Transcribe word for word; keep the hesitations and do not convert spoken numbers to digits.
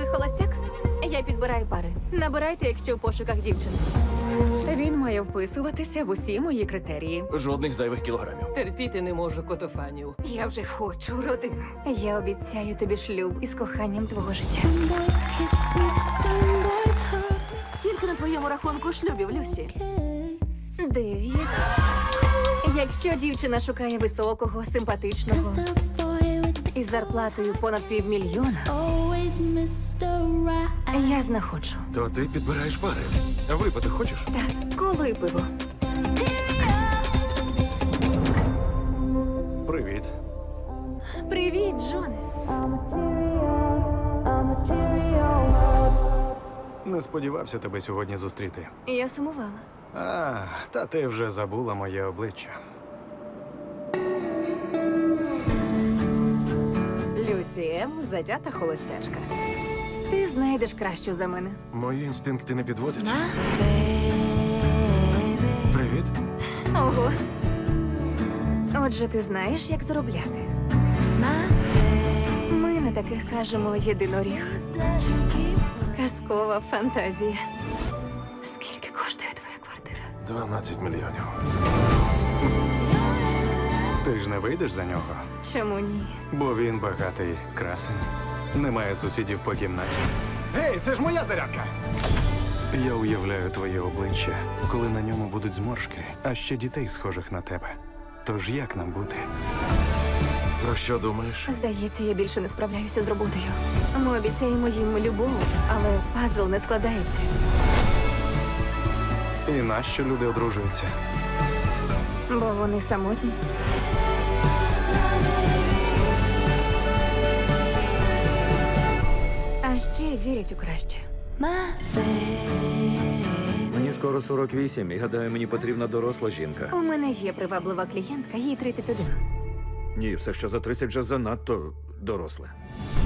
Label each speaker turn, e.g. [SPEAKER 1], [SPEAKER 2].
[SPEAKER 1] холостяк? Я підбираю пари. Набирайте, якщо в пошуках дівчини.
[SPEAKER 2] Він має вписуватися в усі мої критерії.
[SPEAKER 3] Жодних зайвих кілограмів.
[SPEAKER 4] Терпіти не можу котофанів.
[SPEAKER 2] Я вже хочу родину.
[SPEAKER 1] Я обіцяю тобі шлюб із коханням твого життя.
[SPEAKER 5] Скільки на твоєму рахунку шлюбів, Люсі?
[SPEAKER 1] Дев'ять. Якщо дівчина шукає високого, симпатичного із зарплатою понад півмільйона, я знаходжу.
[SPEAKER 3] То ти підбираєш пари. А випити хочеш?
[SPEAKER 1] Так, коло і пиво.
[SPEAKER 3] Привіт.
[SPEAKER 1] Привіт, Джоне.
[SPEAKER 6] Не сподівався тебе сьогодні зустріти.
[SPEAKER 1] Я сумувала.
[SPEAKER 6] А, та ти вже забула моє обличчя.
[SPEAKER 4] Люсі М. затята холостячка.
[SPEAKER 1] Ти знайдеш кращу за мене.
[SPEAKER 3] Мої інстинкти не підводять. Привіт.
[SPEAKER 1] Ого. Отже, ти знаєш, як заробляти. Ми на таких кажемо єдиноріг. Казкова фантазія. Скільки коштує твоя квартира?
[SPEAKER 3] дванадцять мільйонів.
[SPEAKER 6] Ти ж не вийдеш за нього,
[SPEAKER 1] Чому ні?
[SPEAKER 6] бо він багатий красень. Немає сусідів по кімнаті.
[SPEAKER 3] Гей, це ж моя зарядка!
[SPEAKER 6] Я уявляю твоє обличчя, коли на ньому будуть зморшки, а ще дітей, схожих на тебе. Тож як нам бути?
[SPEAKER 3] Про що думаєш?
[SPEAKER 1] Здається, я більше не справляюся з роботою. Ми обіцяємо їм любов, але пазл не складається.
[SPEAKER 6] І нащо люди одружуються?
[SPEAKER 1] Бо вони самотні. А ще вірять у краще.
[SPEAKER 7] Мені скоро сорок вісім, і гадаю, мені потрібна доросла жінка.
[SPEAKER 1] У мене є приваблива клієнтка, їй тридцять один.
[SPEAKER 7] Ні, все, що за тридцять вже занадто доросле.